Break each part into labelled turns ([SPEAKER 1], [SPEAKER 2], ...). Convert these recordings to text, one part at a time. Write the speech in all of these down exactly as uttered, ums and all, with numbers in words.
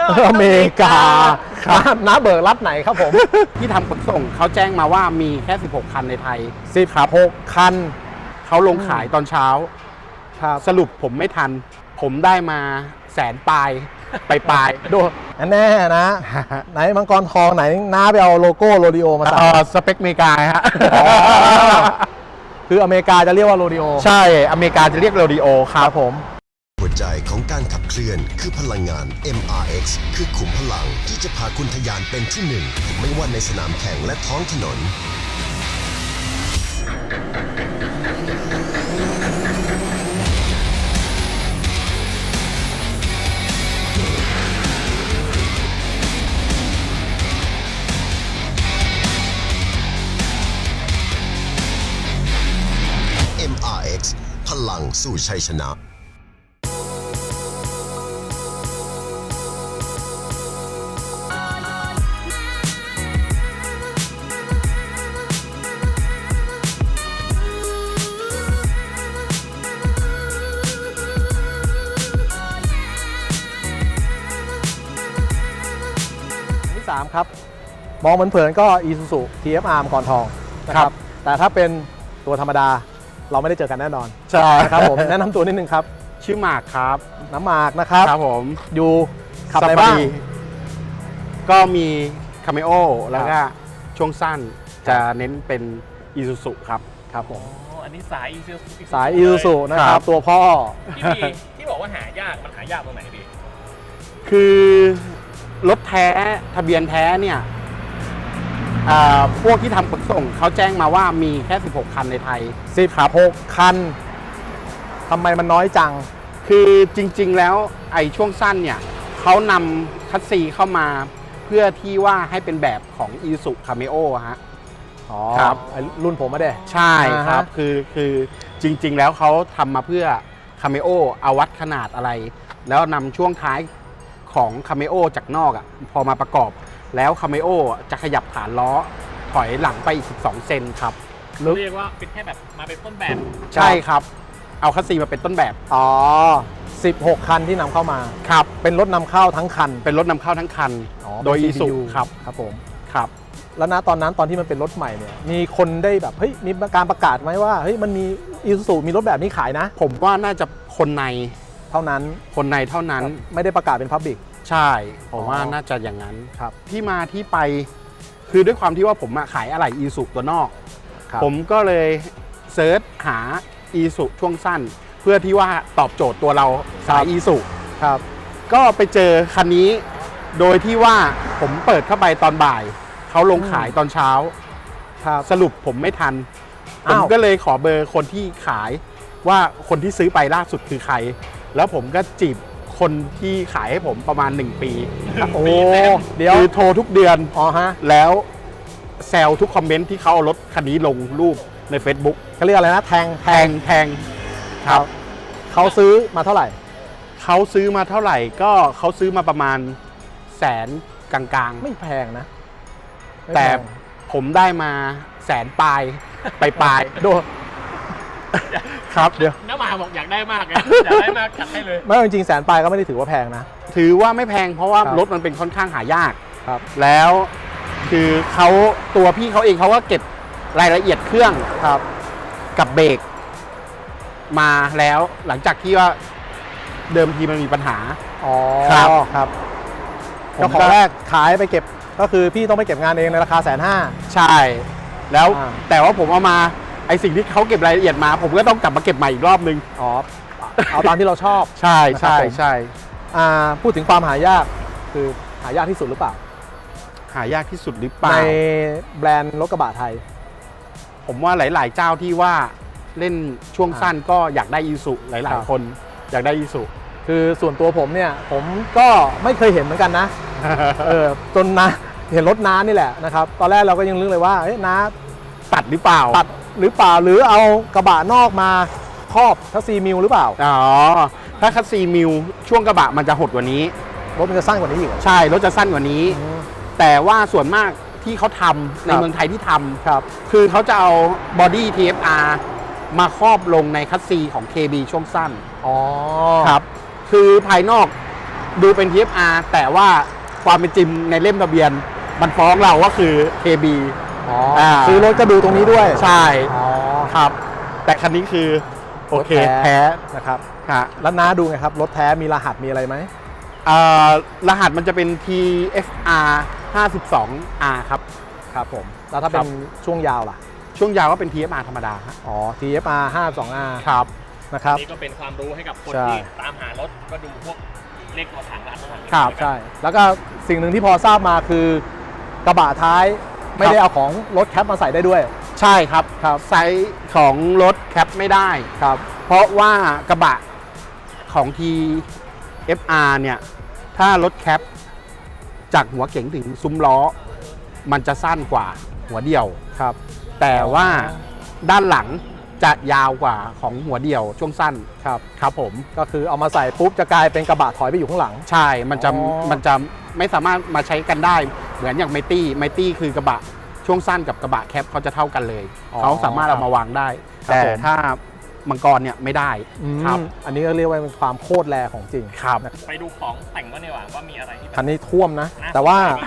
[SPEAKER 1] อเมริกาครับน้าเบิกรัฐไหนครับผม
[SPEAKER 2] ที่ทำขนส่งเขาแจ้งมาว่ามีแค่สิบหกคันในไทย
[SPEAKER 1] สิบหกคัน
[SPEAKER 2] เขาลงขายตอนเช้าสรุปผมไม่ทันผมได้มาแสนปลายไปปลาย
[SPEAKER 1] ดูแน่นะ ไหนมังกรทองไหนน้าไปเอาโลโก้โรดิโอมาใส่
[SPEAKER 2] สเปคอเมริกาฮะ
[SPEAKER 1] คืออเมริกาจะเรียกว่าโรดิโอ
[SPEAKER 2] ใช่อเมริกาจะเรียกโรดิโอครับผม
[SPEAKER 3] หัวใจของการขับเคลื่อนคือพลังงาน เอ็ม อาร์ เอ็กซ์ คือขุมพลังที่จะพาคุณทะยานเป็นที่หนึ่งไม่ว่าในสนามแข่งและท้องถนนเอ็ม อาร์ เอ็กซ์ พลังสู่ชัยชนะ
[SPEAKER 1] สามครับมองเหมือนเผินก็ Isuzu ที เอฟ อาร์ มังกรทองนะครับแต่ถ้าเป็นตัวธรรมดาเราไม่ได้เจอกันแน่นอน
[SPEAKER 2] ใช่
[SPEAKER 1] ครับผมแนะนำตัวนิดนึงครับ
[SPEAKER 2] ชื่อหมากครับ
[SPEAKER 1] น้ำหมากนะครับ
[SPEAKER 2] ครับผม
[SPEAKER 1] อยู่ขับอะไรบ้าง
[SPEAKER 2] ก็มีคาเมโอแล้วก็ช่วงสั้นจะเน้นเป็น Isuzu ครับ
[SPEAKER 1] ครับผม
[SPEAKER 4] อันนี้สาย Isuzu
[SPEAKER 1] สาย Isuzu นะครับตัวพ่อ
[SPEAKER 4] ที่ที่บอกว่าหายากมันหายากตรงไหนพี่
[SPEAKER 2] คือรถแท้ทะเบียนแท้เนี่ยพวกที่ทำขนส่งเขาแจ้งมาว่ามีแค่สิบหกคันในไทย
[SPEAKER 1] สิบหกคันทำไมมันน้อยจัง
[SPEAKER 2] คือจริงๆแล้วไอ้ช่วงสั้นเนี่ยเขานำคัสซีเข้ามาเพื่อที่ว่าให้เป็นแบบของ Isuzu Cameo ฮะ
[SPEAKER 1] อ๋อครับรุ่นผมไม่ได้
[SPEAKER 2] ใช่ครับคือคือจริงๆแล้วเขาทำมาเพื่อ Cameo เอาวัดขนาดอะไรแล้วนำช่วงท้ายของคาเมโอจากนอกอ่ะพอมาประกอบแล้วคาเมโอจะขยับฐานล้อถอยหลังไปอีกสิบสองเซนครับ
[SPEAKER 4] เรียกว่าเป็นแค่แบบมาเป็นต้นแบบ
[SPEAKER 2] ใช่ครับเอาคัสซีมาเป็นต้นแบบ
[SPEAKER 1] อ๋อสิบหกคันที่นำเข้ามา
[SPEAKER 2] ครับ
[SPEAKER 1] เป็นรถนำเข้าทั้งคัน
[SPEAKER 2] เป็นรถนำเข้าทั้งคันโดย Isuzu ครับ
[SPEAKER 1] ครับผม
[SPEAKER 2] ครับ
[SPEAKER 1] แล้วนะตอนนั้นตอนที่มันเป็นรถใหม่เนี่ยมีคนได้แบบเฮ้ยมีการประกาศไหมว่าเฮ้ยมันมี Isuzu มีรถแบบนี้ขายนะ
[SPEAKER 2] ผมว่าน่าจะคนใน
[SPEAKER 1] เท่านั้น
[SPEAKER 2] คนในเท่านั้น
[SPEAKER 1] ไม่ได้ประกาศเป็นพับบิก
[SPEAKER 2] ใช่ผมว่าน่าจะอย่างนั้นครับที่มาที่ไปคือด้วยความที่ว่าผมขายอะไหล่ Isuzu ตัวนอกผมก็เลยเซิร์ชหา Isuzu ช่วงสั้นเพื่อที่ว่าตอบโจทย์ตัวเราสาย Isuzu
[SPEAKER 1] ครับ
[SPEAKER 2] ก็ไปเจอคันนี้โดยที่ว่าผมเปิดเข้าไปตอนบ่ายเขาลงขายตอนเช้าสรุปผมไม่ทันผมก็เลยขอเบอร์คนที่ขายว่าคนที่ซื้อไปล่าสุดคือใครแล้วผมก็จีบคนที่ขายให้ผมประมาณหนึ่งปี
[SPEAKER 1] โอ้เดี๋ยว
[SPEAKER 2] คือโทรทุกเดือน
[SPEAKER 1] อ๋อฮะ
[SPEAKER 2] แล้วแซวทุกคอมเมนต์ที่เขาเอารถคันนี้ลงรูปใน Facebook
[SPEAKER 1] เขาเรียกอะไรนะแทง
[SPEAKER 2] แทงแทงครับ
[SPEAKER 1] เขาซื้อมาเท่าไหร่
[SPEAKER 2] เขาซื้อมาเท่าไหร่ก็เขาซื้อมาประมาณแสนกลางๆ
[SPEAKER 1] ไม่แพงนะ
[SPEAKER 2] แต่ผมได้มาแสนปลายไปปลาย
[SPEAKER 1] ดูครับเดี๋ยว
[SPEAKER 4] น้ามาบอกอยากได้มากไงอยากได้มากจัดให้เลย
[SPEAKER 1] ไม่จริงๆแสนปลายก็ไม่ได้ถือว่าแพงนะ
[SPEAKER 2] ถือว่าไม่แพงเพราะว่ารถมันเป็นค่อนข้างหายาก
[SPEAKER 1] ครับ
[SPEAKER 2] แล้วคือเขาตัวพี่เขาเองเขาก็เก็บรายละเอียดเครื่อง
[SPEAKER 1] ครับ
[SPEAKER 2] กับเบรกมาแล้วหลังจากที่ว่าเดิมทีมันมีปัญหา
[SPEAKER 1] อ๋อครับครับเจ้าของแรกขายไปเก็บก็คือพี่ต้องไปเก็บงานเองในราคาแสนห้า
[SPEAKER 2] ใช่แล้วแต่ว่าผมเอามาไอสิ่งที่เขาเก็บรายละเอียดมาผมก็ต้องกลับมาเก็บใหม่อีกรอบนึง
[SPEAKER 1] อ๋อเอาตามที่เราชอบ
[SPEAKER 2] ใช่ใช่ใช่
[SPEAKER 1] พูดถึงความหายากคือหายากที่สุดหรือเปล่า
[SPEAKER 2] หายากที่สุดหรือเปล่า
[SPEAKER 1] ในแบรนด์รถกระบะไทย
[SPEAKER 2] ผมว่าหลายๆเจ้าที่ว่าเล่นช่วงสั้นก็อยากได้Isuzuหลายๆคนอยากได้Isuzu
[SPEAKER 1] คือส่วนตัวผมเนี่ยผมก็ไม่เคยเห็นเหมือนกันนะเออจนนะเห็นรถน้านี่แหละนะครับตอนแรกเราก็ยังนึกเลยว่าเอ๊ะน้า
[SPEAKER 2] ตัดหรือเปล่า
[SPEAKER 1] ตัดหรือเปล่าหรือเอากระบะนอกมาครอบคัสซีมิลหรือเปล่า
[SPEAKER 2] อ๋อถ้าคัสซีมิลช่วงกระบะมันจะหดกว่านี้
[SPEAKER 1] รถมันจะสั้นกว่านี้อีก
[SPEAKER 2] ใช่รถจะสั้นกว่านี้แต่ว่าส่วนมากที่เขาทำในเมืองไทยที่ทำ
[SPEAKER 1] ครับ
[SPEAKER 2] คือเขาจะเอาบอดี้ ที เอฟ อาร์ มาครอบลงในคัสซีของ เค บี ช่วงสั้น
[SPEAKER 1] อ๋อ
[SPEAKER 2] ครับคือภายนอกดูเป็น ที เอฟ อาร์ แต่ว่าความเป็นจริงในเล่มทะเบียน มันฟ้องเราว่าคือ เค บี
[SPEAKER 1] อ๋อ
[SPEAKER 2] อ่า
[SPEAKER 1] ซื้อรถก็ดูตรงนี้ด้วย
[SPEAKER 2] ใช่
[SPEAKER 1] อ๋อ
[SPEAKER 2] ครับ แต่คันนี้คือ โอเค
[SPEAKER 1] รถแท้
[SPEAKER 2] แท้
[SPEAKER 1] นะครับ
[SPEAKER 2] ฮะ
[SPEAKER 1] แล้วน้าดูไงครับ รถแท้มีรหัสมีอะไรไหม
[SPEAKER 2] อ่ารหัสมันจะเป็น ที เอฟ อาร์ ห้าสิบสอง อาร์ ครับ
[SPEAKER 1] ครับผม แล้วถ้าเป็
[SPEAKER 2] ครั
[SPEAKER 1] น
[SPEAKER 2] บ
[SPEAKER 1] ช่วงยาวล่ะ
[SPEAKER 2] ช่วงยาวก็เป็น ที เอฟ อาร์ ธรรมดาฮะ
[SPEAKER 1] อ๋อ ที เอฟ อาร์ ห้าสอง อาร์
[SPEAKER 2] ครับ
[SPEAKER 1] นะครับ
[SPEAKER 4] นี่ก็เป็นความรู้ให้กับคน
[SPEAKER 1] ใช่
[SPEAKER 4] ที่ตามหารถก็ดูพวกเลขตัวถังร้านตัวถัง
[SPEAKER 2] ครับ
[SPEAKER 1] ใช่ แล้วก็สิ่งหนึ่งที่พอทราบมาคือกระบะท้ายไม่ได้เอาของรถแคปมาใส่ได้ด้วย
[SPEAKER 2] ใช่ครับ
[SPEAKER 1] ครับ
[SPEAKER 2] ไซส์ของรถแคปไม่ได้
[SPEAKER 1] ครับ
[SPEAKER 2] เพราะว่ากระบะของ ที เอฟ อาร์ เนี่ย ถ้ารถแคปจากหัวเก๋งถึงซุ้มล้อ มันจะสั้นกว่าหัวเดียว
[SPEAKER 1] ครับ
[SPEAKER 2] แต่ว่าด้านหลังจะยาวกว่าของหัวเดียวช่วงสั้น
[SPEAKER 1] ครับ
[SPEAKER 2] ครับผม
[SPEAKER 1] ก็คือเอามาใส่ปุ๊บจะกลายเป็นกระบะถอยไปอยู่ข้างหลัง
[SPEAKER 2] ใช่ มันจะ
[SPEAKER 1] อ๋อ
[SPEAKER 2] มันจะไม่สามารถมาใช้กันได้ เหมือนอย่างไมตี้ ไมตี้คือกระบะช่วงสั้นกับกระบะแคปเขาจะเท่ากันเลย เขาสามารถเอามาวางได้
[SPEAKER 1] ครับ
[SPEAKER 2] แต่
[SPEAKER 1] ผม
[SPEAKER 2] ถ้ามังกรเนี่ยไม่ได้ ครับ
[SPEAKER 1] อืมอันนี้ก็เรียกว่าเป็นความโคตรแรของจริง
[SPEAKER 2] ครับ
[SPEAKER 4] ไปดูของแต่งก็ดีกว่าว่ามีอะไรที่แบบ
[SPEAKER 1] คันนี้ท่วมนะ
[SPEAKER 4] น่า
[SPEAKER 1] แต่ว่า
[SPEAKER 4] สนใจ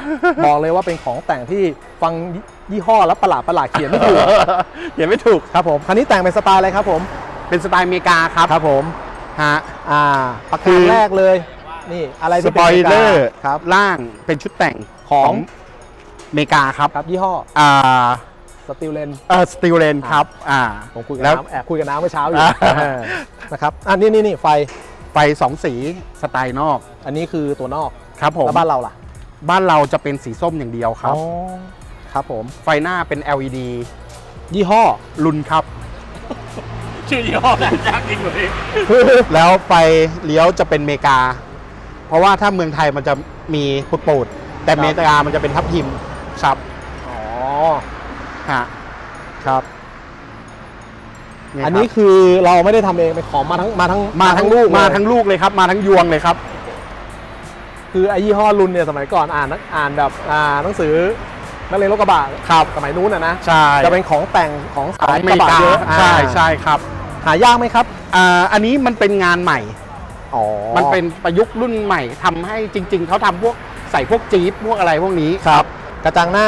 [SPEAKER 1] บอกเลยว่าเป็นของแต่งที่ฟังยี่ห้อแล้วประหลาดประหลาดเขียนไม่ถูก
[SPEAKER 2] เขียนไม่ถูก
[SPEAKER 1] ครับผม คันนี้แต่งเป็นสไตล์อะไรครับผม
[SPEAKER 2] เป็นสไตล์อเมริกาครับ
[SPEAKER 1] ครับผม
[SPEAKER 2] ฮะ
[SPEAKER 1] อ่าประ
[SPEAKER 2] คื
[SPEAKER 1] การ
[SPEAKER 2] อ
[SPEAKER 1] แรกเลย นี่อะไร
[SPEAKER 2] ส
[SPEAKER 1] ที่
[SPEAKER 2] ป
[SPEAKER 1] เป็น
[SPEAKER 2] อย
[SPEAKER 1] มกา
[SPEAKER 2] เลอร์
[SPEAKER 1] ครับ
[SPEAKER 2] ล่างเป็นชุดแต่ง
[SPEAKER 1] ของ
[SPEAKER 2] อเมริกาครับ
[SPEAKER 1] ครับยี่ห้อ
[SPEAKER 2] อ่า
[SPEAKER 1] สติลเลน
[SPEAKER 2] เออสตีลเลนครับ อ่า
[SPEAKER 1] ผมคุยกับ
[SPEAKER 2] แล้ว
[SPEAKER 1] น้ำแอบคุยกับน้ำเมื่อเช้าอยู่
[SPEAKER 2] อ่า
[SPEAKER 1] เออนะครับอันนี้นี่นี่ไฟ
[SPEAKER 2] ไฟสองสีสไตล์นอก
[SPEAKER 1] อันนี้คือตัวนอก
[SPEAKER 2] ครับผม
[SPEAKER 1] แล้วบ้านเราล่ะ
[SPEAKER 2] บ้านเราจะเป็นสีส้มอย่างเดียวครับ
[SPEAKER 1] อ๋อครับผม
[SPEAKER 2] ไฟหน้าเป็น แอล อี ดี
[SPEAKER 1] ยี่ห้อ
[SPEAKER 2] ลุนครับ
[SPEAKER 4] ชื่อยี่ห้อน่ายากจริงเลย
[SPEAKER 2] แล้วไฟเลี้ยวจะเป็นเมกา เพราะว่าถ้าเมืองไทยมันจะมีพุดปูดแต่
[SPEAKER 1] ครับ
[SPEAKER 2] เมกามันจะเป็นทับทิมครับ
[SPEAKER 1] อ๋อ
[SPEAKER 2] ฮะ
[SPEAKER 1] ครับ
[SPEAKER 2] เย
[SPEAKER 1] อันนี้
[SPEAKER 2] ครับ
[SPEAKER 1] คือเราไม่ได้ทำเองเป็นของมาทั้งมาทั้ง
[SPEAKER 2] มาทั้ง
[SPEAKER 1] ลูก
[SPEAKER 2] มา
[SPEAKER 1] เลย
[SPEAKER 2] ทั้งลูกเลยครับ มาทั้งยวงเลยครับ
[SPEAKER 1] คือไอ้ยี่ห้อรุ่นเนี่ยสมัยก่อนอ่านนักอ่านแบบอ่าหนังสือนักเรียนรถกระบะครับสมัยนู้นอ่ะนะ
[SPEAKER 2] ใช่
[SPEAKER 1] จะเป็นของแต่งของ
[SPEAKER 2] ขอ
[SPEAKER 1] สาง ย
[SPEAKER 2] อก เม
[SPEAKER 1] ระ
[SPEAKER 2] ริ
[SPEAKER 1] บะ
[SPEAKER 2] กา
[SPEAKER 1] เยอะ
[SPEAKER 2] ใช่
[SPEAKER 1] อ่า
[SPEAKER 2] ใช่ครับ
[SPEAKER 1] หายากไหมครับ
[SPEAKER 2] อ่าอันนี้มันเป็นงานใหม่
[SPEAKER 1] อ๋อ
[SPEAKER 2] มันเป็นประยุกต์รุ่นใหม่ทำให้จริง ๆ เขาทำพวกใส่พวกจี๊ปพวกอะไรพวกนี้
[SPEAKER 1] ครับกระจังหน้าก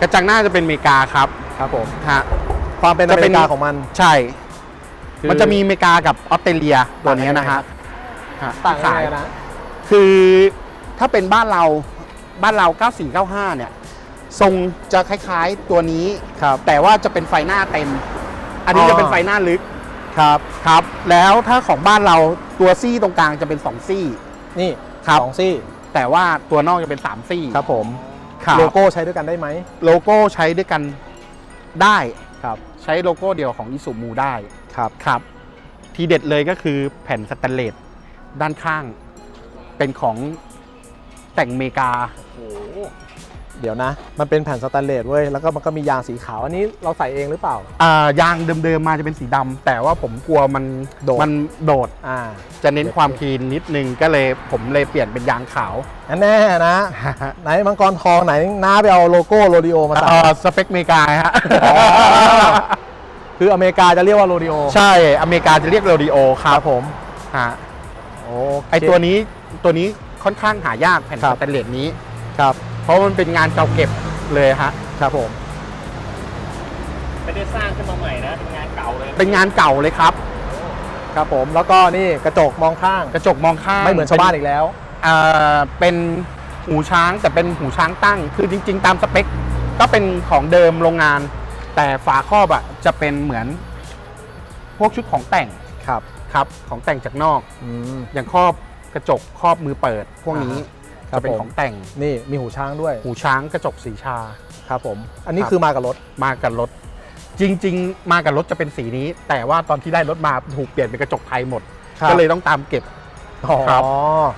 [SPEAKER 2] ระจังหน้าจะเป็นอเมริกาครับ
[SPEAKER 1] ครับผม
[SPEAKER 2] ฮะ
[SPEAKER 1] ความเป็นอ
[SPEAKER 2] จะ
[SPEAKER 1] เม
[SPEAKER 2] เป็น
[SPEAKER 1] ริกาของมัน
[SPEAKER 2] ใช่
[SPEAKER 1] คือ
[SPEAKER 2] มันจะมีอเมริกากับออสเตรเลียตัวนี้นะฮะฮะ
[SPEAKER 1] ต่างกัน
[SPEAKER 2] ขาย
[SPEAKER 1] ยังไงนะ
[SPEAKER 2] คือถ้าเป็นบ้านเราบ้านเรา เก้าสี่เก้าห้า เนี่ย ทรงจะคล้ายๆตัวนี้
[SPEAKER 1] ครับ
[SPEAKER 2] แต่ว่าจะเป็นไฟหน้าเต็ม อันนี้
[SPEAKER 1] อ๋อ
[SPEAKER 2] จะเป็นไฟหน้าลึก
[SPEAKER 1] ครับ
[SPEAKER 2] ครับ แล้วถ้าของบ้านเราตัวซี่ตรงกลางจะเป็นสองซี่
[SPEAKER 1] นี่
[SPEAKER 2] ครับ
[SPEAKER 1] สองซี่
[SPEAKER 2] แต่ว่าตัวนอกจะเป็นสามซี่
[SPEAKER 1] ครับผม
[SPEAKER 2] ครับ
[SPEAKER 1] โลโก้ใช้ด้วยกันได้ไหม
[SPEAKER 2] โลโก้ใช้ด้วยกันได้
[SPEAKER 1] ครับ
[SPEAKER 2] ใช้โลโก้เดียวของอิสุมูได้
[SPEAKER 1] ครับ
[SPEAKER 2] ครับ ทีเด็ดเลยก็คือแผ่นสแตนเลสด้านข้าง เป็นของแต่งอเมริกา
[SPEAKER 4] โอ้โห
[SPEAKER 1] เดี๋ยวนะ มันเป็นแผ่นสแตนเลสเว้ยแล้วก็มันก็มียางสีขาวอันนี้เราใส่เองหรือเปล่า
[SPEAKER 2] อ่ายางเดิมๆมาจะเป็นสีดำแต่ว่าผมกลัวมัน
[SPEAKER 1] โดด
[SPEAKER 2] มันโดด
[SPEAKER 1] อ่า
[SPEAKER 2] จะเน้นความคลีนนิดนึงก็เลยผมเลยเปลี่ยนเป็นยางขาว
[SPEAKER 1] แน่ๆนะ ไหนมังกรทองไหนน้าไปเอาโลโก้โรดิโอมาใส่
[SPEAKER 2] เอ่อสเปคอเมริกาฮะ
[SPEAKER 1] อ๋อ คืออเมริกาจะเรียกว่าโรดิโอ
[SPEAKER 2] ใช่อเมริกาจะเรียกโรดิโอค
[SPEAKER 1] ค
[SPEAKER 2] รั
[SPEAKER 1] รั
[SPEAKER 2] บบ
[SPEAKER 1] ผม
[SPEAKER 2] ฮะ
[SPEAKER 1] โอ้
[SPEAKER 2] ไอตัวนี้ตัวนี้ค่อนข้างหายากแผ่น
[SPEAKER 1] ครั
[SPEAKER 2] ส
[SPEAKER 1] บ
[SPEAKER 2] แตนเลสนี้
[SPEAKER 1] ครับ
[SPEAKER 2] เพราะมันเป็นงานเก่าเก็บเลยฮะ
[SPEAKER 1] ครับผม
[SPEAKER 4] ไม่ได้สร้างขึ้นมาใหม่นะ เป็นงานเก่าเลย
[SPEAKER 2] เป็นงานเก่าเลยครับ
[SPEAKER 1] ครับผมแล้วก็นี่กระจกมองข้าง
[SPEAKER 2] กระจกมองข้าง
[SPEAKER 1] ไม่เหมือนชาวบ้านอีกแล้ว
[SPEAKER 2] อ่าเป็นหูช้างแต่เป็นหูช้างตั้ง คือจริง ๆ ตามสเปค ก็เป็นของเดิมโรงงาน แต่ฝาครอบอ่ะจะเป็นเหมือน พวกชุดของแต่ง
[SPEAKER 1] ครับ
[SPEAKER 2] ครับของแต่งจากนอก
[SPEAKER 1] อืม
[SPEAKER 2] อย่างครอบกระจกครอบมือเปิด พวกนี้
[SPEAKER 1] ครั
[SPEAKER 2] จะ
[SPEAKER 1] บ
[SPEAKER 2] เป็น
[SPEAKER 1] ผม
[SPEAKER 2] ของแต่ง
[SPEAKER 1] นี่มีหูช้างด้วย
[SPEAKER 2] หูช้างกระจกสีชา
[SPEAKER 1] ครับผม อันนี้
[SPEAKER 2] ครับ
[SPEAKER 1] คือมากับรถ
[SPEAKER 2] มากับรถ จริง ๆ มากับรถจะเป็นสีนี้ แต่ว่าตอนที่ได้รถมาถูกเปลี่ยนเป็นกระจกไทยหมด
[SPEAKER 1] ครับ
[SPEAKER 2] ก็เลยต้องตามเก็บ
[SPEAKER 1] อ๋อ
[SPEAKER 2] ครับ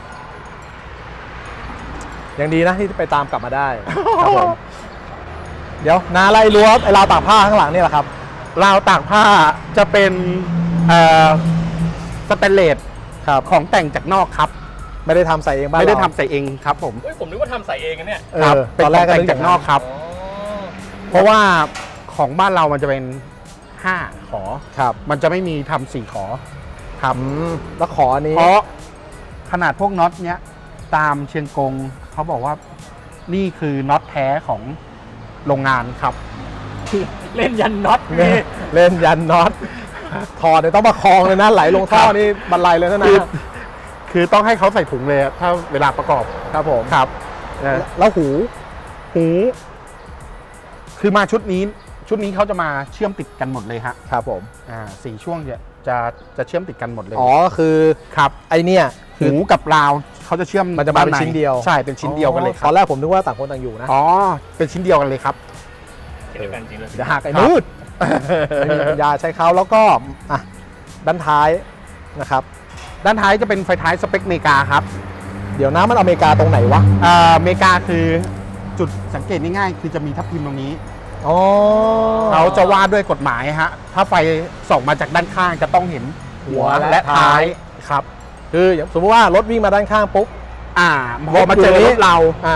[SPEAKER 1] ยังดีนะที่ไปตามกลับมาได้ ครับผม เดี๋ยวนาไล่รั้วไอ้ราวตากผ้าข้างหลังนี่แหละครับ
[SPEAKER 2] ราวตากผ้าจะเป็นเอ่อสแตนเลส
[SPEAKER 1] ครับ
[SPEAKER 2] ของแต่งจากนอกครับ
[SPEAKER 1] ไม่ได้ทำใส่เองบ้าน
[SPEAKER 2] ไม่ได้
[SPEAKER 1] เรา
[SPEAKER 2] ทำใส่เองครับผม
[SPEAKER 4] เฮ้ยผมนึกว่าทำใส่เองนะเนี่ย
[SPEAKER 1] เอ
[SPEAKER 2] ครับ
[SPEAKER 1] อ
[SPEAKER 2] เป็น
[SPEAKER 1] ตอน
[SPEAKER 2] ข
[SPEAKER 1] แร
[SPEAKER 2] อก ง
[SPEAKER 1] ก็
[SPEAKER 2] แต่ง
[SPEAKER 1] นึ
[SPEAKER 2] จากนอกครับ
[SPEAKER 4] อ๋อ
[SPEAKER 2] เพราะว่าของบ้านเรามันจะเป็นห้าขอ
[SPEAKER 1] ครับ
[SPEAKER 2] มันจะไม่มีทำสี่ขอครับ
[SPEAKER 1] อืมแล้วขออันนี้
[SPEAKER 2] เพราะขนาดพวกน็อตเนี้ยตามเชียงกงเขาบอกว่านี่คือน็อตแท้ของโรงงานครับ
[SPEAKER 4] เล่นยันน็อต
[SPEAKER 1] เล่นเล่นยันน็อตถอดเนี่ยต้องประคองเลยนะไหลลงท่อนี่บันไลเลยนะ
[SPEAKER 2] คือ
[SPEAKER 1] นะ
[SPEAKER 2] คือต้องให้เขาใส่ถุงเลยอะถ้าเวลาประกอบ
[SPEAKER 1] ครับผม
[SPEAKER 2] ครับ
[SPEAKER 1] แล้วหู
[SPEAKER 2] หูคือมาชุดนี้ชุดนี้เขาจะมาเชื่อมติดกันหมดเลยฮะ
[SPEAKER 1] ครับผม
[SPEAKER 2] อ่าสี่ช่วงจะจะจะเชื่อมติดกันหมดเลย
[SPEAKER 1] อ๋อคือ
[SPEAKER 2] ครับ
[SPEAKER 1] ไอเนี่ยคื
[SPEAKER 2] หู
[SPEAKER 1] อ
[SPEAKER 2] กับราวเขาจะเชื่อม
[SPEAKER 1] มันจะมาเป็น
[SPEAKER 2] ด้ใ
[SPEAKER 1] ชิ้นเดียว
[SPEAKER 2] ใช่เป็นชิ้นเดียวกันเลยค
[SPEAKER 1] ต
[SPEAKER 2] รั
[SPEAKER 1] อบ นแรกผมนึกว่าต่างคนต่างอยู่นะ
[SPEAKER 2] อ๋อเป็นชิ้นเดียวกันเลยครับ
[SPEAKER 4] เดียวกันจริงเลย
[SPEAKER 1] เดี๋ยวหักไอ้
[SPEAKER 2] ครับ
[SPEAKER 1] มืดไม่มีปัญญาใช้เขาแล้วก็อ่ะด้านท้ายนะครับ
[SPEAKER 2] ด้านท้ายจะเป็นไฟท้ายสเปคอเมริกาครับ
[SPEAKER 1] เดี๋ยวนะมันอเมริกาตรงไหนวะ
[SPEAKER 2] อ่าอเมริกาคือจุดสังเกตง่ายๆคือจะมีทับทิมตรงนี้
[SPEAKER 1] อ๋อ
[SPEAKER 2] เขาจะว่าด้วยกฎหมายฮะถ้าไฟส่องมาจากด้านข้างจะต้องเห็นหัวและท้ายครับ
[SPEAKER 1] คืออย่างสมมติว่ารถวิ่งมาด้านข้างปุ๊บ
[SPEAKER 2] อ่าพอมาเจอรถเรา
[SPEAKER 1] อ่าร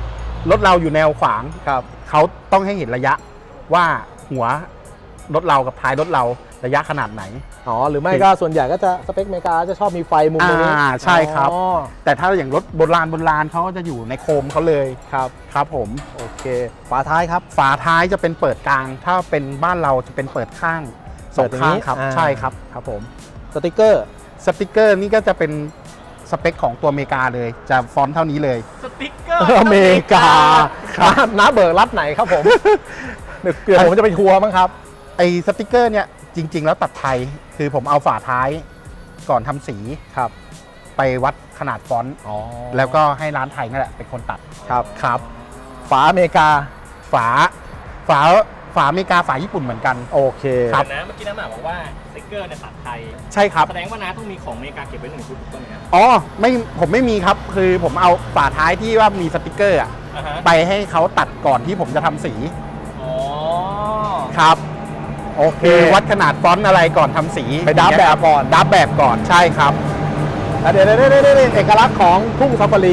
[SPEAKER 2] ถเราอยู่แนวขวาง
[SPEAKER 1] ครับ
[SPEAKER 2] เขาต้องให้เห็นระยะว่าหัวรถเรากับท้ายรถเราระยะขนาดไหน
[SPEAKER 1] อ๋อหรือไม่ก็ส่วนใหญ่ก็จะสเปคอเมริกาจะชอบมีไฟมุมตรงนี้
[SPEAKER 2] อ่าใช่ครับ
[SPEAKER 1] อ๋อ
[SPEAKER 2] แต่ถ้าอย่างรถโบราณโบราณเขาก็จะอยู่ในโคมเขาเลย
[SPEAKER 1] ครับ
[SPEAKER 2] ครับผม
[SPEAKER 1] โอเคฝาท้ายครับ
[SPEAKER 2] ฝาท้ายจะเป็นเปิดกลาง ถ้าเป็นบ้านเราจะเป็นเปิดข้างสองข้างครับ
[SPEAKER 1] อ่
[SPEAKER 2] ใช่ครับ
[SPEAKER 1] ครับผมสติกเกอร์
[SPEAKER 2] สติกเกอร์นี่ก็จะเป็นสเปคของตัวอเมริกาเลย จะฟอนต์เท่านี้เลย
[SPEAKER 4] สติ๊กเกอร์
[SPEAKER 1] อเมริกาน้าน้าเบิกรัฐไหนครับผมเดี๋ยวเดี๋ยวผมจะไปทัวร์มั้งครับ
[SPEAKER 2] ไอสติกเกอร์เนี่ยจริง ๆ แล้วตัดไทยคือผมเอาฝาท้ายก่อนทำสี
[SPEAKER 1] ครับ
[SPEAKER 2] ไปวัดขนาดฟอนต์
[SPEAKER 1] อ๋อ
[SPEAKER 2] แล้วก็ให้ร้านไทยนั่นแหละเป็นคนตัด
[SPEAKER 1] ครับ
[SPEAKER 2] ครับ
[SPEAKER 1] ฝาอเมริกา
[SPEAKER 2] ฝาฝาฝาอเมริกาฝาญี่ปุ่นเหมือนกัน
[SPEAKER 1] โอเค
[SPEAKER 2] ครับ
[SPEAKER 4] นะเมื่อกี้น้าหมาบอกว่าสติ๊กเกอร์เนี่ยตัดไทย
[SPEAKER 2] ใช่ครับ
[SPEAKER 4] แสดงว่าน้าต้องมีของอเมริกาเก็บไว้หนึ่งชุดถูกต้องไหมครับ
[SPEAKER 2] อ๋อไม่ผมไม่มีครับ คือผมเอาฝาท้ายที่ว่ามีสติกเกอร์อะ
[SPEAKER 4] อ่าฮะ
[SPEAKER 2] ไปให้เขาตัดก่อนที่ผมจะทำสี
[SPEAKER 4] อ๋อ
[SPEAKER 2] ครับ
[SPEAKER 1] โอเค
[SPEAKER 2] คือวัดขนาดฟอนต์อะไรก่อนทำสี
[SPEAKER 1] ไปดับแบบก่อน
[SPEAKER 2] ดับแบบก่อนใช่ครับ
[SPEAKER 1] แล้วเดี๋ยวเดี๋ยวเดี๋ยวเดี๋ยวเอกลักษณ์ของทุ่งซาฟารี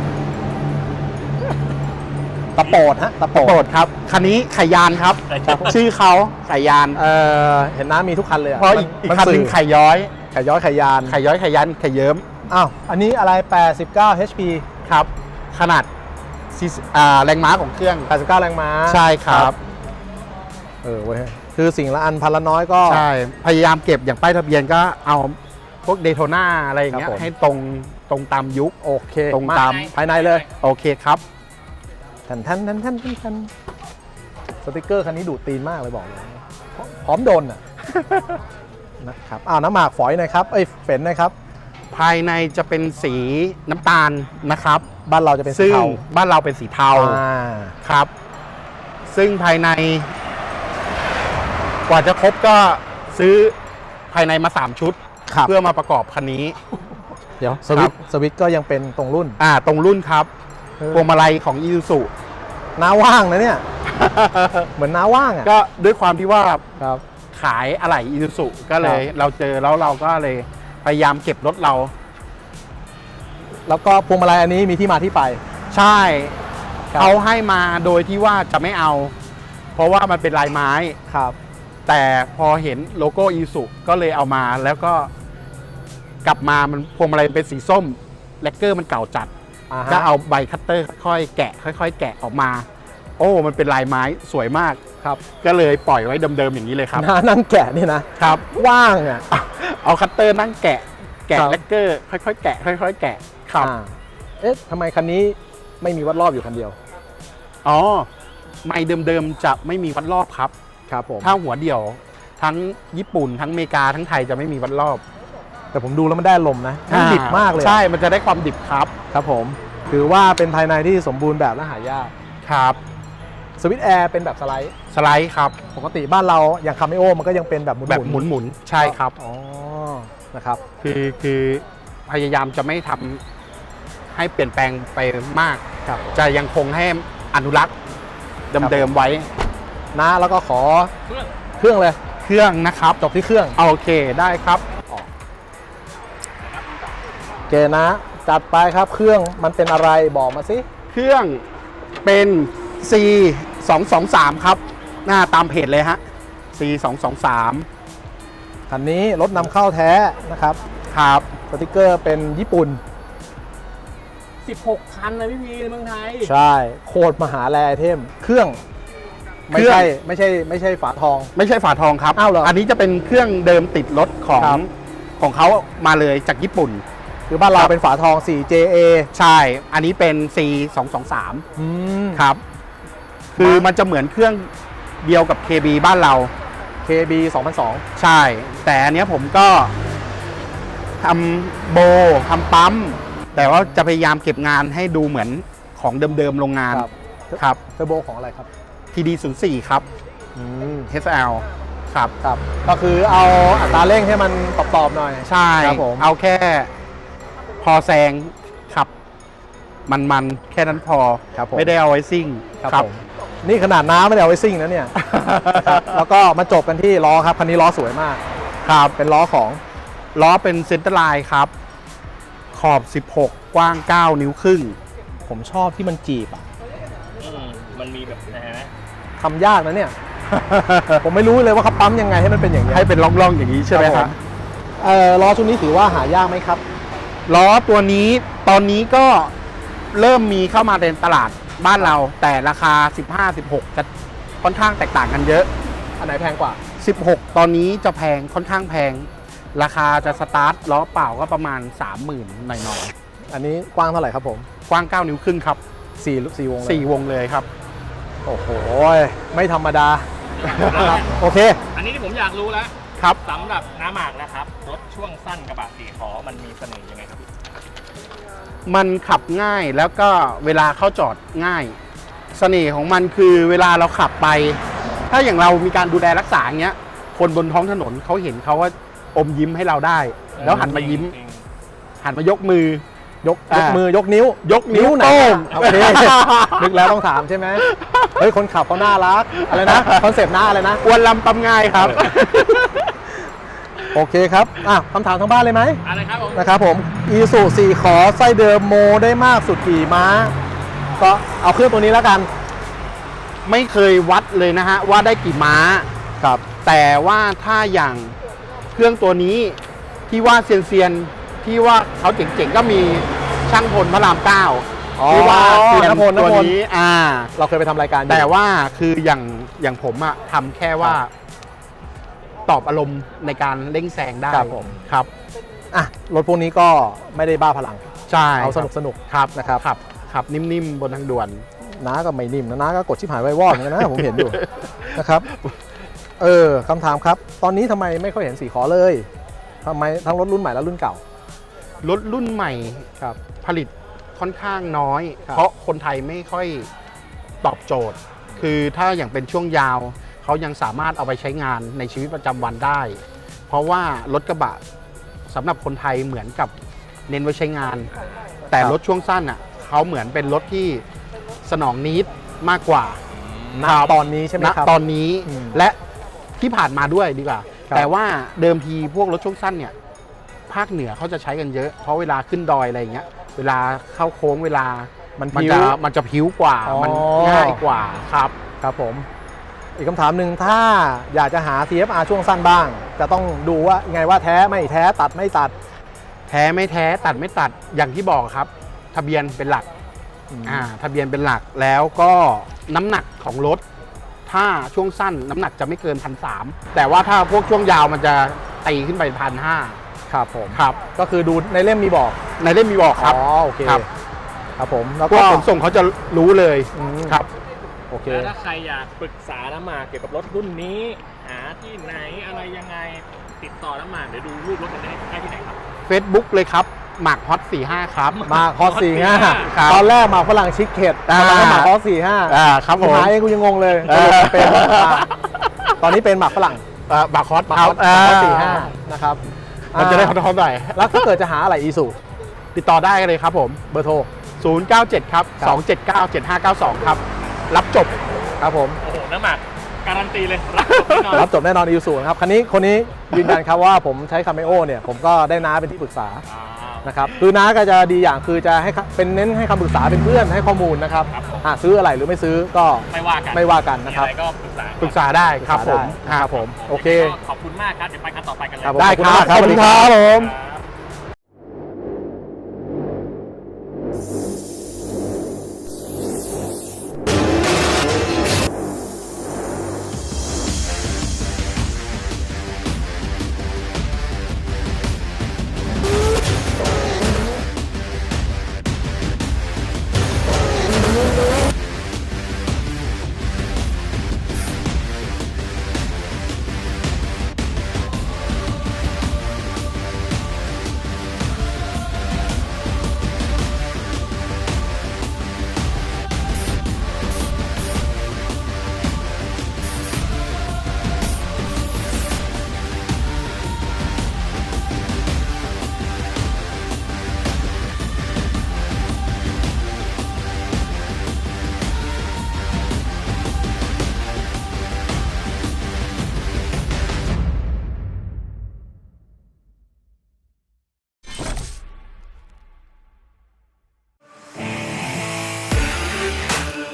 [SPEAKER 1] ตะโปดฮะตะโป
[SPEAKER 2] โปร
[SPEAKER 1] ด
[SPEAKER 2] ดครับ คันนี้ไขยานครับ ชื่อเขาไขยาน
[SPEAKER 1] เออเห็นน้ามีทุกคันเลยอะ
[SPEAKER 2] เพราะอีกอีก
[SPEAKER 1] มั
[SPEAKER 2] คันหนึง
[SPEAKER 1] สื่อ
[SPEAKER 2] ไข่ย้อย
[SPEAKER 1] ไข่ย้อยไข่ยาน
[SPEAKER 2] ไข่ย้อยไข่ยันไข่เยิ้ม
[SPEAKER 1] อ้าวอันนี้อะไรแปดสิบเก้า เอช พี
[SPEAKER 2] ครับ ขนาดซีซีอ่าแรงม้าของเครื่อง
[SPEAKER 1] แปดสิบเก้าแรงม้า
[SPEAKER 2] ใช่ครับ
[SPEAKER 1] เออเว้ยคือสิ่งละอันพันละน้อยก็
[SPEAKER 2] ใช่ พยายามเก็บอย่างป้ายทะเบียนก็เอาพวกเดโทน่าอะไรอย่างเงี้ย
[SPEAKER 1] ครับผม
[SPEAKER 2] ให้ตรงตรงตามยุค
[SPEAKER 1] โอเค
[SPEAKER 2] ตรงตาม
[SPEAKER 1] ภายในเลย
[SPEAKER 2] โอเคครับ
[SPEAKER 1] ทันทันทันทันทันทันสติกเกอร์คันนี้ดูดตีนมากเลยบอกเลยพร้อมโดนอ่ะ นะครับอ้าวน้ำหมากฝอยหน่อยครับเอ้ยเฝนหน่อยครับ
[SPEAKER 2] ภายในจะเป็นสีน้ำตาลนะครับ
[SPEAKER 1] บ้านเราจะเป็นสี
[SPEAKER 2] ซึ่ง
[SPEAKER 1] เทา
[SPEAKER 2] บ้านเราเป็นสีเทา
[SPEAKER 1] อ่า
[SPEAKER 2] ครับ ซึ่งภายใน กว่าจะครบก็ซื้อภายในมา สาม ชุด
[SPEAKER 1] ครับ
[SPEAKER 2] เพื่อมาประกอบคันนี้
[SPEAKER 1] เดี๋ยวสวิตช์สวิตช์ก็ยังเป็นตรงรุ่น
[SPEAKER 2] อ่าตรงรุ่นครับพวงมาลัยของ Isuzu
[SPEAKER 1] น้าว่างนะเนี่ย เหมือนน้าว่างอ่ะ
[SPEAKER 2] ก็ด้วยความที่ว่า
[SPEAKER 1] ครับ
[SPEAKER 2] ขายอะไหล่ Isuzu ก็เลย
[SPEAKER 1] ครับ
[SPEAKER 2] เราเจอแล้วเราก็เลยพยายามเก็บรถเรา
[SPEAKER 1] แล้วก็พวงมาลัยอันนี้มีที่มาที่ไป
[SPEAKER 2] ใช่
[SPEAKER 1] ครับ
[SPEAKER 2] เขาให้มาโดยที่ว่าจะไม่เอา เพราะว่ามันเป็นลายไม้
[SPEAKER 1] ครับ
[SPEAKER 2] แต่พอเห็นโลโก้ Isuzu ก็เลยเอามาแล้วก็กลับมามันพวงมาลัยเป็นสีส้มแลกเกอร์มันเก่าจัด
[SPEAKER 1] อ่าฮะ
[SPEAKER 2] ก็เอาใบคัตเตอร์ค่อยๆแกะ ค่อยๆ แกะออกมา โอ้มันเป็นลายไม้สวยมาก
[SPEAKER 1] ครับ
[SPEAKER 2] ก็เลยปล่อยไว้เดิมๆอย่างนี้เลยครับ
[SPEAKER 1] น้านั่งแกะนี่นะครับ ว่างอ่ะ
[SPEAKER 2] เอาคัตเตอร์นั่งแกะ แกะ
[SPEAKER 1] ครับ
[SPEAKER 2] แลกเกอร์ค่อยๆ แกะ ค่อยๆ แกะครับ
[SPEAKER 1] อ่าเอ๊ะทำไมคันนี้ไม่มีวัดรอบอยู่คันเดียว
[SPEAKER 2] อ๋อไม้เดิมๆจะไม่มีวัดรอบครับ
[SPEAKER 1] ครับผม
[SPEAKER 2] ถ้าหัวเดี่ยวทั้งญี่ปุ่นทั้งอเมริกาทั้งไทยจะไม่มีวัดรอบ
[SPEAKER 1] แต่ผมดูแล้วมันได้ลมณ์นะมันดิบมากเลยอะ
[SPEAKER 2] ใช่มันจะได้ความดิบครับ
[SPEAKER 1] ครับผมถือว่าเป็นภายในที่สมบูรณ์แบบและหายาก
[SPEAKER 2] ครับ
[SPEAKER 1] สวิตช์แอร์เป็นแบบสไลด์
[SPEAKER 2] สไลด์ครับ
[SPEAKER 1] ปกติบ้านเราอย่างคาเมโอมันก็ยังเป็นแบบหมุนๆ
[SPEAKER 2] แบบหมุนๆใช่ครับ
[SPEAKER 1] อ๋อนะครับ
[SPEAKER 2] คือคือพยายามจะไม่ทำให้เปลี่ยนแปลงไปมาก
[SPEAKER 1] ครับ
[SPEAKER 2] จะยังคงให้อนุรักษ์เดิมๆไว้
[SPEAKER 1] นะแล้วก็ขอ
[SPEAKER 4] เครื่อง
[SPEAKER 1] เครื่องเลย
[SPEAKER 2] เครื่องนะครับ
[SPEAKER 1] จบที่เครื่อง
[SPEAKER 2] โอเคได้ครับ
[SPEAKER 1] โอเคนะ จัดไปครับเครื่องมันเป็นอะไรบอกมาสิ
[SPEAKER 2] เครื่องเป็น ซี สองสองสาม ครับ หน้าตามเพจเลยฮะ ซี สองสองสาม
[SPEAKER 1] คันนี้รถนำเข้าแท้นะครับ
[SPEAKER 2] ครับ
[SPEAKER 1] สติกเกอร์เป็นญี่ปุ่น
[SPEAKER 4] สิบหกคันนะพี่พีในเมืองไทย
[SPEAKER 1] ใช่โคตรมหาแรไอเทม เครื่อง ไม่
[SPEAKER 2] เครื่อง
[SPEAKER 1] ใช่ไม่ใช่ไม่ใช่ฝาทอง
[SPEAKER 2] ไม่ใช่ฝาทองครับ
[SPEAKER 1] อ้าวเหรออั
[SPEAKER 2] นนี้จะเป็นเครื่องเดิมติดรถของ
[SPEAKER 1] ครับ
[SPEAKER 2] ของเขามาเลยจากญี่ปุ่น
[SPEAKER 1] คือบ้านเรา
[SPEAKER 2] ครับ
[SPEAKER 1] เป็นฝาทอง โฟร์ เจ เอ
[SPEAKER 2] ใช่ อันนี้เป็น ซี สอง สอง สาม
[SPEAKER 1] อืม
[SPEAKER 2] ครับ คือมันจะเหมือนเครื่องเดียวกับ เค บี บ้านเรา
[SPEAKER 1] เค บี สองพันสอง
[SPEAKER 2] ใช่ แต่อันเนี้ยผมก็ทำโบทำปั๊ม แต่ว่าจะพยายามเก็บงานให้ดูเหมือนของเดิมๆโรงงาน
[SPEAKER 1] ครับ
[SPEAKER 2] ครับ
[SPEAKER 1] เทอร์โบของอะไรครับ
[SPEAKER 2] ที ดี ศูนย์ สี่ ครับ
[SPEAKER 1] อืม
[SPEAKER 2] เอส แอล ครับ
[SPEAKER 1] ครับ ก็คือเอาอัตราเร่งให้มันตอบๆหน่อย
[SPEAKER 2] ใช่
[SPEAKER 1] ครับผม
[SPEAKER 2] เอาแค่พอแซงขับ มันๆ แค่นั้นพอ
[SPEAKER 1] ครับผม
[SPEAKER 2] ไม่ได้เอาไว้ซิ่ง
[SPEAKER 1] ครับผมนี่ขนาดน้ำไม่ได้เอาไว้ซิ่งนะเนี่ย ครับแล้วก็มาจบกันที่ล้อครับคันนี้ล้อสวยมาก
[SPEAKER 2] ครับ
[SPEAKER 1] เป็นล้อของ
[SPEAKER 2] ล้อเป็นเซนเตอร์ไลน์ครับ ขอบ สิบหก กว้าง เก้า นิ้วครึ่ง
[SPEAKER 1] ผมชอบที่มันจีบอ่ะ
[SPEAKER 4] อืมมันมีแบบไหนไหม
[SPEAKER 1] ทำยากนะเนี่ย ผมไม่รู้เลยว่าเขาปั๊มยังไงให้มันเป็นอย่างนี้ย
[SPEAKER 2] ให้เป็นร่องๆอย่างนี้ใช่ไหมครับ
[SPEAKER 1] เอ่อล้อชุดนี้ถือว่าหายากไหมครับ
[SPEAKER 2] ล้อตัวนี้ตอนนี้ก็เริ่มมีเข้ามาในตลาดบ้านเรา แต่ราคา สิบห้า สิบหก จะค่อนข้างแตกต่างกันเยอะ
[SPEAKER 1] อันไหนแพงกว่า
[SPEAKER 2] สิบหก ตอนนี้จะแพงค่อนข้างแพง ราคาจะสตาร์ทล้อเปล่าก็ประมาณ สามหมื่น หน่อย
[SPEAKER 1] อันนี้กว้างเท่าไหร่ครับผม
[SPEAKER 2] ๆ กว้าง เก้า นิ้วครึ่งครับ
[SPEAKER 1] สี่สี่วงเลย
[SPEAKER 2] สี่วงเลยครับ
[SPEAKER 1] โอ้โหไม่ธรรมดา โอเค
[SPEAKER 4] อันนี้ที่ผมอยากรู้แล้ว
[SPEAKER 2] ครับ
[SPEAKER 4] สำหรับน้าหมากนะครับ รถช่วงสั้นกระบะสี่ล้อมันมีเสน่ห์ยังไงครับพี่
[SPEAKER 2] มันขับง่ายแล้วก็เวลาเข้าจอดง่าย เสน่ห์ของมันคือเวลาเราขับไป ถ้าอย่างเรามีการดูแลรักษาอย่างเงี้ย คนบนท้องถนนเขาเห็นเขาว่าอมยิ้มให้เราได้ แล้วหันมายิ้ม
[SPEAKER 4] จริง
[SPEAKER 2] หันมายกมือ
[SPEAKER 1] ยกยก
[SPEAKER 2] อ่ามื
[SPEAKER 1] มือยกนิ้ว
[SPEAKER 2] ยกนิ้ว
[SPEAKER 1] ไหน
[SPEAKER 2] โป้ง
[SPEAKER 1] โอเค นึกแล้วต้องถามใช่ไหมเฮ้ยคนขับเขาน่ารักอะไรนะคอนเซปต์หน้าอะไรนะ
[SPEAKER 2] อวนลำตำง่ายครับ
[SPEAKER 1] โอเคครับอ่ะคำถามทางบ้านเลยไหม
[SPEAKER 4] ๆอะไรครับผม
[SPEAKER 1] นะครับผมอีซูสี่ขอไส้เดิมโมได้มากสุดกี่ม้า ก็เอาเครื่องตัวนี้แล้วกัน
[SPEAKER 2] ไม่เคยวัดเลยนะฮะว่าได้กี่ม้า
[SPEAKER 1] ครับ
[SPEAKER 2] แต่ว่าถ้าอย่างเครื่องตัวนี้ที่ว่าเซียนเซียนๆที่ว่าเขาเจ๋งๆก็มีช่างพลพระรามเก้า
[SPEAKER 1] อ๋อ
[SPEAKER 2] ที่ว่าเซียน
[SPEAKER 1] นพลน
[SPEAKER 2] ตัว
[SPEAKER 1] พล
[SPEAKER 2] นี้อ่า
[SPEAKER 1] เราเคยไปทำรายการอยู่
[SPEAKER 2] แต่ว่าคืออย่างอย่างผมอะทำแค่ว่า
[SPEAKER 1] ครับ
[SPEAKER 2] ตอบอารมณ์ในการเร่งแซงได้
[SPEAKER 1] ครับผม
[SPEAKER 2] ครับ
[SPEAKER 1] อ่ะรถพวกนี้ก็ไม่ได้บ้าพลัง
[SPEAKER 2] ใช่
[SPEAKER 1] เอาสนุกสนุก
[SPEAKER 2] ครับ
[SPEAKER 1] นะครับ
[SPEAKER 2] ขับขับนิ่มๆบนทางด่วน
[SPEAKER 1] น้าก็ไม่นิ่มนะน้าก็กดชิบหายวายวอดเหมือนกันนะ ผมเห็นอยู่ นะครับ เออคำถามครับ ตอนนี้ทำไมไม่ค่อยเห็นสีขอเลยทำไมทั้งรถรุ่นใหม่และรุ่นเก่า
[SPEAKER 2] รถรุ่นใหม่
[SPEAKER 1] ครับ
[SPEAKER 2] ผลิตค่อนข้างน้อย
[SPEAKER 1] ครับ
[SPEAKER 2] เพราะคนไทยไม่ค่อยตอบโจทย์ คือถ้าอย่างเป็นช่วงยาวเขายังสามารถเอาไปใช้งานในชีวิตประจำวันได้ เพราะว่ารถกระบะสำหรับคนไทยเหมือนกับเน้นไว้ใช้งาน แต่
[SPEAKER 1] ครับ
[SPEAKER 2] รถช่วงสั้นอ่ะเขาเหมือนเป็นรถที่สนองนิดมากกว่า
[SPEAKER 1] ณตอนนี้ใช่ไหม
[SPEAKER 2] ณ
[SPEAKER 1] ครับ
[SPEAKER 2] ตอนนี้
[SPEAKER 1] อืม
[SPEAKER 2] และที่ผ่านมาด้วยดีกว่า
[SPEAKER 1] ครับ
[SPEAKER 2] แต่ว่าเดิมทีพวกรถช่วงสั้นเนี่ยภาคเหนือเขาจะใช้กันเยอะ เพราะเวลาขึ้นดอยอะไรอย่างเงี้ยเวลาเข้าโค้งเวลา
[SPEAKER 1] มัน
[SPEAKER 2] มัน
[SPEAKER 1] พิ้ว
[SPEAKER 2] จะมันจะพิ้วกว่า
[SPEAKER 1] อ๋อ
[SPEAKER 2] มันง่ายกว่าครับ
[SPEAKER 1] ครับผม อีกคำถามหนึ่งถ้าอยากจะหา ที เอฟ อาร์ ช่วงสั้นบ้าง จะต้องดูว่าไงว่าแท้ไม่แท้ตัดไม่ตัด
[SPEAKER 2] แท้ไม่แท้ตัดไม่ตัดอย่างที่บอกครับ ทะเบียนเป็นหลัก
[SPEAKER 1] อืม
[SPEAKER 2] อ่าทะเบียนเป็นหลักแล้วก็น้ำหนักของรถ ถ้าช่วงสั้นน้ำหนักจะไม่เกินพันสามแต่ว่าถ้าพวกช่วงยาวมันจะตีขึ้นไปพันห้า
[SPEAKER 1] ครับผม
[SPEAKER 2] ครับ
[SPEAKER 1] ก็คือดูในเล่มมีบอก
[SPEAKER 2] ในเล่มมีบอกครับ
[SPEAKER 1] อ๋อโอเค
[SPEAKER 2] ครับ
[SPEAKER 1] ครับผมแล้ว
[SPEAKER 2] พว
[SPEAKER 1] ก็
[SPEAKER 2] กขนส่งเขาจะรู้เลย
[SPEAKER 1] อืม
[SPEAKER 2] ครับ
[SPEAKER 1] โอเค
[SPEAKER 4] แล้วถ้าใครอยากปรึกษาน้าหมากเกี่ยวกับรถรุ่นนี้ หาที่ไหนอะไรยังไงติดต่อน้าหมากเดี๋ยวดูรูปรถกันได้ได้ที่ไหนครับ
[SPEAKER 2] Facebook เลยครับหมากฮอตสี่ห้าครับ
[SPEAKER 1] มาคอสสี่ห้า
[SPEAKER 2] ครับ
[SPEAKER 1] ตอนแรกมาฝรั่งชิคเก็ต
[SPEAKER 2] อ่า
[SPEAKER 1] ตอนนั้นมาคอสสี่ห้า
[SPEAKER 2] อ่าครับผม
[SPEAKER 1] หายกูยังงงเลย
[SPEAKER 2] เออ
[SPEAKER 1] เป็นอ่าตอนนี้เป็นหมากฝรั่ง
[SPEAKER 2] อ่าหมากฮอต
[SPEAKER 1] หมาก
[SPEAKER 2] ค
[SPEAKER 1] ค
[SPEAKER 2] รั
[SPEAKER 1] อบ สหมากคอสสี่ห้านะครับ
[SPEAKER 2] มันจะได้ฮอ
[SPEAKER 1] อ่า
[SPEAKER 2] ตๆหน่อย
[SPEAKER 1] แล้วถ้าเกิดจะหาอะไรอีสุ
[SPEAKER 2] ติดต่อได้เลยครับผม
[SPEAKER 1] เบอร์โทร
[SPEAKER 2] ศูนย์ เก้า เจ็ด ครับ
[SPEAKER 1] ครับ
[SPEAKER 2] สอง เจ็ด เก้า เจ็ด ห้า เก้า สอง ครับ รับจบ
[SPEAKER 1] ครับผม
[SPEAKER 4] โอ้โหน้าหมากการันตีเลยรับจบแน่นอน
[SPEAKER 1] รับจบแน่นอนอีสุนะครับคันนี้คนนี้ยืนยันครับว่าผมใช้คาเมโอเนี่ยผมก็ได้น้าเป็นที่ปรึกษา
[SPEAKER 4] อ่า
[SPEAKER 1] นะครับคือน้าก็จะดีอย่างคือจะให้คเป็นเน้นให้คำปรึกษาเป็นเพื่อนให้ข้อมูลนะครับ
[SPEAKER 4] ครับผม
[SPEAKER 1] หากซื้ออะไรหรือไม่ซื้อก็
[SPEAKER 4] ไม่ว่ากัน
[SPEAKER 1] ไม่ว่ากันนะครับ
[SPEAKER 4] มีอะไรก็ปรึกษา
[SPEAKER 2] ปรึกษาได้ครับผม
[SPEAKER 1] ได้ครับผมโอเค
[SPEAKER 4] ก็ขอบคุณมากครับ เดี๋ยวไปกันต่อไปกันเลย
[SPEAKER 1] ครับผม
[SPEAKER 2] ได้ครับ
[SPEAKER 1] ขอบคุณมากครับ
[SPEAKER 2] สวัสดีครับผม
[SPEAKER 4] ครับ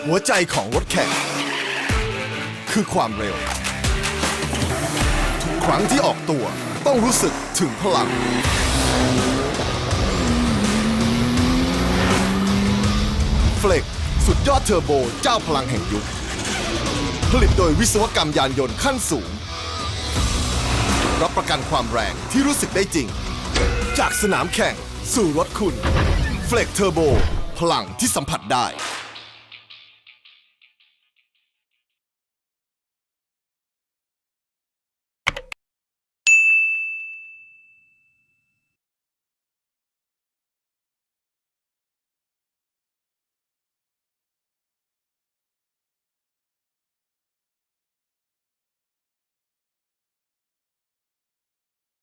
[SPEAKER 3] หัวใจของรถแข่ง คือความเร็ว ทุกครั้งที่ออกตัวต้องรู้สึกถึงพลัง เฟล็กสุดยอดเทอร์โบเจ้าพลังแห่งยุค ผลิตโดยวิศวกรรมยานยนต์ขั้นสูง รับประกันความแรงที่รู้สึกได้จริง จากสนามแข่งสู่รถคุณ เฟล็กเทอร์โบพลังที่สัมผัสได้